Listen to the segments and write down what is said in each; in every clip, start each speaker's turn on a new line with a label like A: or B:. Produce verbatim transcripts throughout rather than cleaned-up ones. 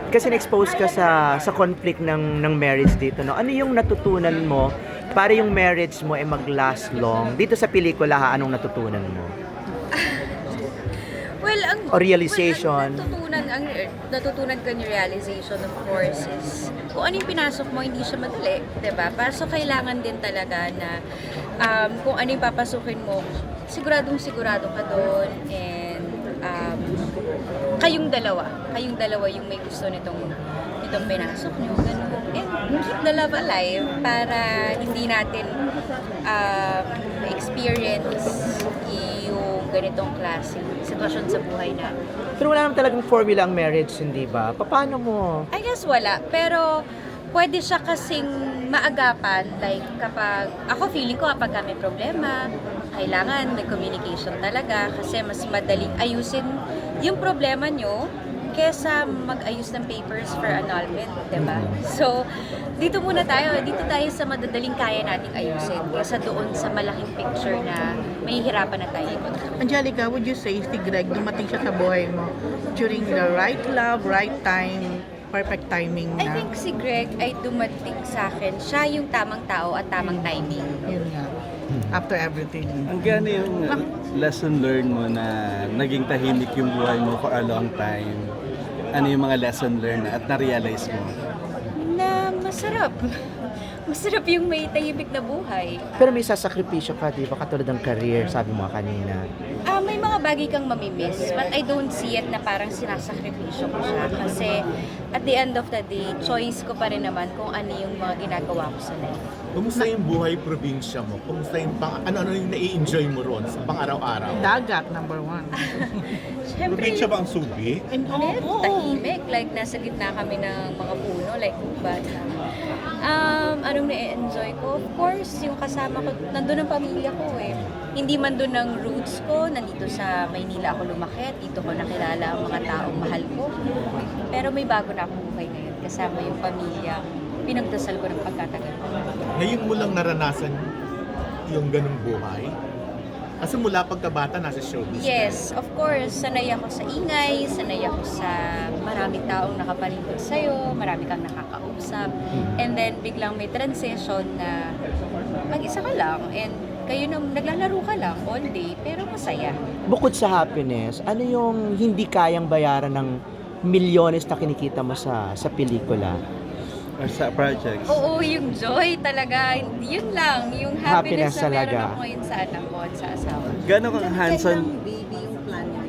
A: kasi na-expose ka sa sa conflict ng ng marriage dito, no? Ano yung natutunan mo para yung marriage mo ay mag-last long? Dito sa pelikula, ha, anong natutunan mo?
B: Well, ang
A: O realization.
B: Well, ang natutunan ang natutunan ko yung realization, of course, is kung ano yung pinasok mo, hindi siya madali, 'di ba? Para so kailangan din talaga na um, kung ano yung papasukin mo, siguradong sigurado ka doon, and um, kayong dalawa, kayong dalawa yung may gusto nitong nitong pinasok niyo, ganun. And keep the love alive para hindi natin um, experience yung ganitong klase sitwasyon sa buhay natin.
A: Pero wala naman talagang formula ang marriage, hindi ba? Paano mo?
B: I guess wala, pero pwede siya kasing maagapan, like kapag, ako feeling ko kapag may problema, kailangan may communication talaga kasi mas madaling ayusin yung problema nyo kesa mag-ayos ng papers for annulment, diba? So, dito muna tayo, dito tayo sa madadaling kaya nating ayusin kesa doon sa malaking picture na may hirapan na tayo.
C: Angelica, would you say si Greg dumating siya sa buhay mo during the right love, right time, perfect timing
B: I
C: na?
B: think si Greg ay dumating sa akin, siya yung tamang tao at tamang timing.
C: Yun nga. After everything.
D: Ang gano yung lesson learned mo na naging tahimik yung buhay mo for a long time? Ano yung mga lesson learned na at na-realize mo?
B: Na masarap. Masarap yung may tahimik na buhay.
A: Pero may sasakripisyo ka, di ba? Katulad ng career, sabi mo kanina.
B: Ah, may mga bagay kang mamimiss, but I don't see it na parang sinasakripisyo ko siya. Kasi at the end of the day, choice ko pa rin naman kung ano yung mga ginagawa ko sa life.
E: Kumusta yung buhay probinsya mo? Kumusta yung pang, ano-ano yung nai-enjoy mo ron sa pang-araw-araw?
C: Dagat, number one.
B: Siyempre,
E: Probinsya ba ang Subic?
C: And oo,
B: Net,
C: oo.
B: tahimik. Like, nasa gitna kami ng mga puno, like, ubat. Um, anong na-enjoy ko? Of course, yung kasama ko, nandun ang pamilya ko eh. Hindi man doon ang roots ko, nandito sa Maynila ako lumaki, dito ko nakilala ang mga taong mahal ko. Pero may bago na akong buhay ngayon, kasama yung pamilya. Pinagdasal ko ng pagkatagal.
E: Ngayon mo lang naranasan yung ganung buhay? Kasi mula pagkabata nasa showbiz.
B: Yes, of course. Sanay ako sa ingay, sanay ako sa maraming taong nakapalibot sa'yo, marami kang nakakausap. And then, biglang may transition na mag-isa ka lang and kayo na naglalaro ka lang all day, pero masaya.
A: Bukod sa happiness, ano yung hindi kayang bayaran ng milyones na kinikita mo sa sa pelikula?
D: Or sa projects?
B: Oo, yung joy talaga, yun lang, yung
A: Happiness
B: happiness, na meron
A: talaga.
B: ako ngayon sa anak ko at sa asawa.
D: Gano'n kang hands-on?
C: baby yung plan niya?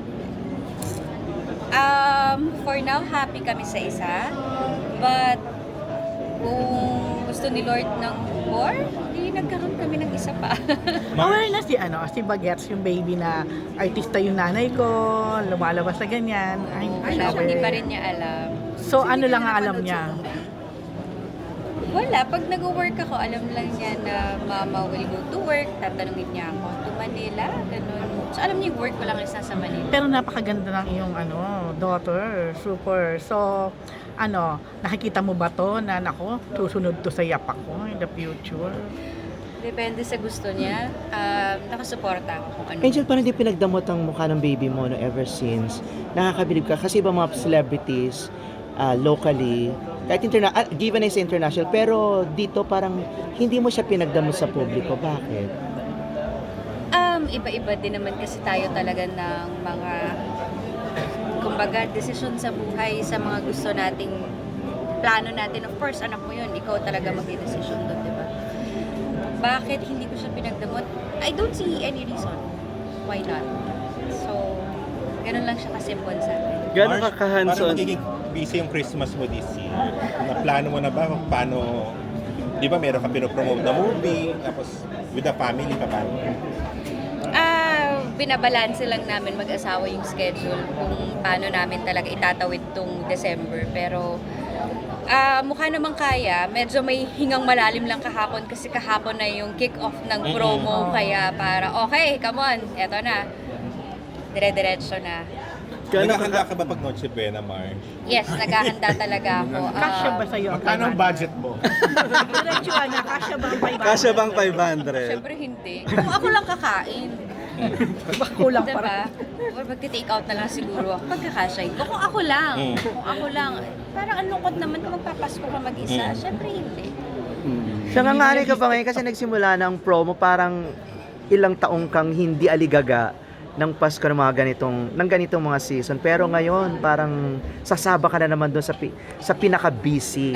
B: Um, for now, happy kami sa isa. But, kung gusto ni Lord ng more, di nagkaroon kami ng isa pa.
C: Aware na si, ano, si Bagets, yung baby na artista yung nanay ko, lumalabas na ganyan. Ay, hindi pa siya
B: Wala, hindi
C: aware.
B: pa rin niya alam.
C: So, ano lang ang alam niya?
B: Wala, pag nag-work ako, alam lang niya na mama will go to work, tatanungin niya ako to Manila, ganun. So, alam niya yung work ko lang is nasa Manila.
C: Pero napakaganda ng iyong ano, daughter, super. So, ano, nakikita mo ba to na nako, susunod to sa yapak ko in the future?
B: Depende sa gusto niya. Um, nakasuporta ako kung ano.
A: Angel, parang hindi pinagdamot ang mukha ng baby mo no, ever since. Nakakabilib ka. Kasi iba mga celebrities, uh, locally, kahit interna- uh, given is international, pero dito parang hindi mo siya pinagdamot sa publiko. Bakit?
B: Um, iba-iba din naman kasi tayo talaga ng mga, kumbaga, desisyon sa buhay, sa mga gusto nating plano natin. Of course, anak mo yun, ikaw talaga magdidesisyon doon, di ba? Bakit hindi ko siya pinagdamot? I don't see any reason. Why not? So, ganun lang siya kasimple sa akin.
D: Gano'n ka
F: Marsh,
D: ka-hands-on?
F: Parang magiging busy yung Christmas mo this year. Na-plano mo na ba kung paano, di ba meron ka pinopromote na movie, tapos with the family ka paano?
B: Ah, binabalanse lang namin mag-asawa yung schedule kung paano namin talaga itatawid tong December. Pero ah, mukha namang kaya. Medyo may hingang malalim lang kahapon kasi kahapon na yung kick-off ng promo. Kaya para, okay, come on, eto na. Dire-diretso na.
D: Gano'n ka
F: Naghahanda ka ba pag Noche Buena, Marsh?
B: Yes, naghahanda talaga ako.
C: Kasya ba
B: Um,
C: sa'yo ang
E: Magkano ang budget mo?
C: Diretsuhan na, kasya ba ang five hundred?
D: Kasya bang five hundred?
B: Siyempre hindi. Kung ako lang kakain.
C: Baka kulang pa rin.
B: Diba? Or magti-take out na lang siguro ako. Pagkakasya ko. Kung ako lang,
F: Mm.
B: kung ako lang, parang ang lungkot naman kung magpapasko ka mag-isa.
F: Mm.
B: Siyempre hindi.
A: Siya nga nga rin ka ba ngayon kasi nagsimula ng promo parang ilang taong kang hindi aligaga ng Pasko ng mga ganitong ng ganitong mga season, pero ngayon parang sasaba ka na naman doon sa pi- sa pinaka-busy.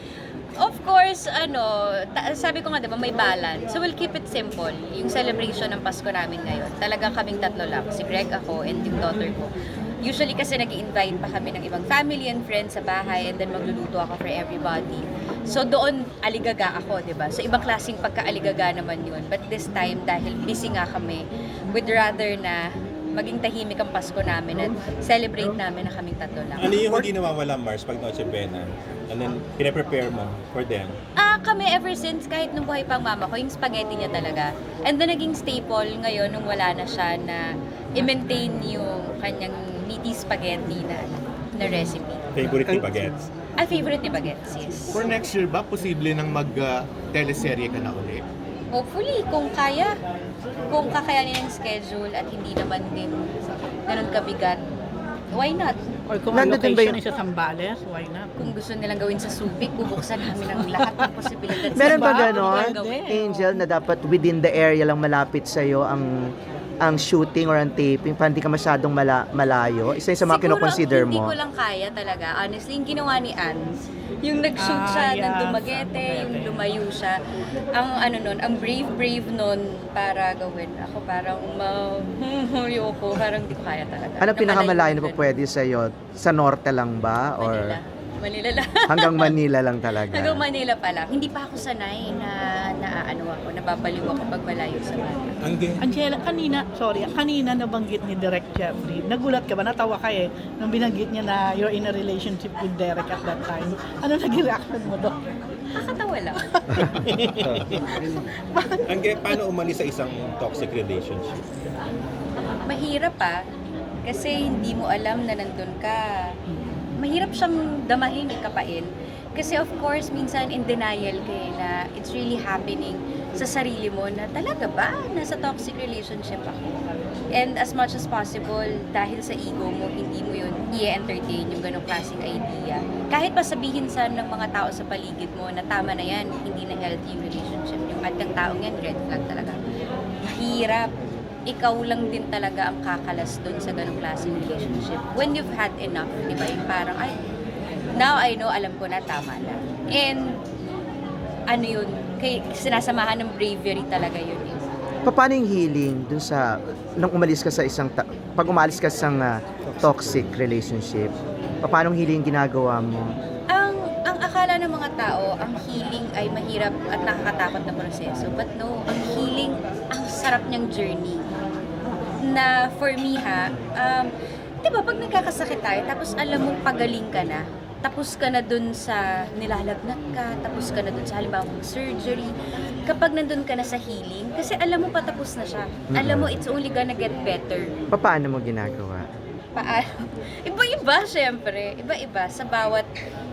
B: Of course, ano, ta- sabi ko nga diba, may balance. So we'll keep it simple. Yung celebration ng Pasko namin ngayon, talagang kaming tatlo lang. Si Greg, ako, and yung daughter ko. Usually kasi nag invite pa kami ng ibang family and friends sa bahay and then magluluto ako for everybody. So doon, aligaga ako, di ba? So ibang klaseng pagka-aligaga naman yun. But this time, dahil busy nga kami, would rather na maging tahimik ang Pasko namin at celebrate namin na kaming tatlo lang.
F: Ano yung hindi nawawala, Mars, pag Noche Buena? And then, pinaprepare mo for them?
B: Ah, kami ever since, kahit nung buhay pang mama ko, yung spaghetti niya talaga. And then naging staple ngayon nung wala na siya na i-maintain yung kanyang meaty spaghetti na, na recipe.
F: Favorite ni Bagets?
B: Ay, favorite ni Bagets, yes.
E: For next year ba, posible nang mag-teleserye ka na ulit?
B: Hopefully, kung kaya, kung kakayanin ang schedule at hindi naman din ganun kabigat, why not?
C: Or kung ang
A: Nandun din ba
C: location
A: yung-
C: is sa Zambales, why not?
B: Kung gusto nilang gawin sa Subic, bubuksan namin ang lahat ng posibilidad.
A: Meron ba
C: Diba?
A: ganon,
C: Pwede.
A: Angel, na dapat within the area lang malapit sa'yo ang ang shooting or ang taping, para hindi ka masyadong mala, malayo? Isa yun sa mga
B: Siguro,
A: kinoconsider
B: hindi
A: mo.
B: ko lang kaya talaga. Honestly, yung ginawa ni Ans, yung nag-shoot
C: Ah,
B: siya ng
C: yes.
B: Dumaguete, yung lumayo siya. Ang ano nun, ang brave-brave nun para gawin. Ako parang ma... ko, parang hindi ko kaya talaga.
A: Ano pinakamalayo na
B: malayo
A: po pwede sa'yo? Sa norte lang ba? Or
B: Manila. Manila lang.
A: hanggang Manila lang talaga?
B: Hanggang Manila pa lang. Hindi pa ako sanay na, na ano ako, nababaliw ako pag malayo sa Manila.
F: Ang gay.
C: Angela, kanina, sorry, kanina nabanggit ni Derek Jeffrey. Nagulat ka ba? Natawa ka eh. Nung binanggit niya na you're in a relationship with Derek at that time. Ano naging reaction mo doon?
B: Nakakatawa lang.
F: Ang gay, paano umalis sa isang toxic relationship?
B: Mahirap pa. Kasi hindi mo alam na nandun ka. Mahirap siyang damahin, ikapain. Kasi of course, minsan in denial ka eh, na it's really happening sa sarili mo na talaga ba nasa toxic relationship ako? And as much as possible, dahil sa ego mo, hindi mo yun i-entertain yung ganong klaseng idea. Kahit pa sabihin sa ng mga tao sa paligid mo na tama na yan, hindi na healthy yung relationship yung at yung taong yan, red flag talaga. Mahirap. Ikaw lang din talaga ang kakalas dun sa ganong klaseng relationship. When you've had enough, di ba? Yung parang, ay, now I know, alam ko na, tama na. And, ano yun, kay, sinasamahan ng bravery talaga yun. Eh.
A: Paano yung healing dun sa nung umalis ka sa isang ta- pag umalis ka sa isang ah, toxic relationship? Paano yung healing ginagawa mo?
B: Ang, ang akala ng mga tao, ang healing ay mahirap at nakakatakot na proseso. But no, ang healing, ang sarap niyang journey. Na for me ha, um, di ba pag nagkakasakit tayo, tapos alam mong pagaling ka na, tapos ka na dun sa nilalagnat ka, tapos ka na dun sa halimbawa surgery, kapag nandun ka na sa healing, kasi alam mo patapos na siya. Alam mo, it's only gonna get better.
A: Paano mo ginagawa?
B: Paano? Iba-iba, syempre. Iba-iba sa bawat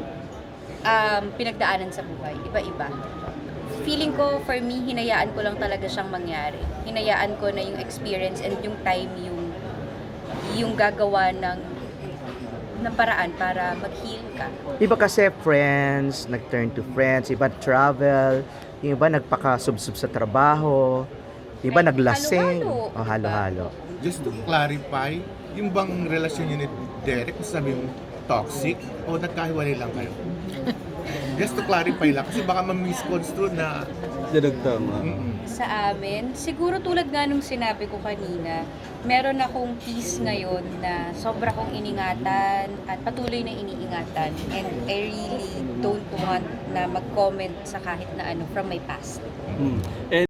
B: um, pinagdaanan sa buhay. Iba-iba. Feeling ko, for me, hinayaan ko lang talaga siyang mangyari. Hinayaan ko na yung experience and yung time yung yung gagawa ng ng paraan para mag-heal ka.
A: Iba kasi friends, nag-turn to friends, iba travel, yung iba nagpaka-subsub sa trabaho, iba
B: Ay,
A: naglasing,
B: halo-halo,
A: o halo-halo.
E: Just to clarify, yung bang relasyon niyo ni Derek, sabi mo, toxic o nagkahiwalay lang kayo? Just to clarify lang, kasi baka ma-misconstrue na
D: Dinagtang mo.
E: mm,
B: Sa amin, siguro tulad nga nung sinabi ko kanina, meron akong peace ngayon na sobra kong iningatan at patuloy na iniingatan. And I really don't want na mag-comment sa kahit na ano from my past.
D: Mm. And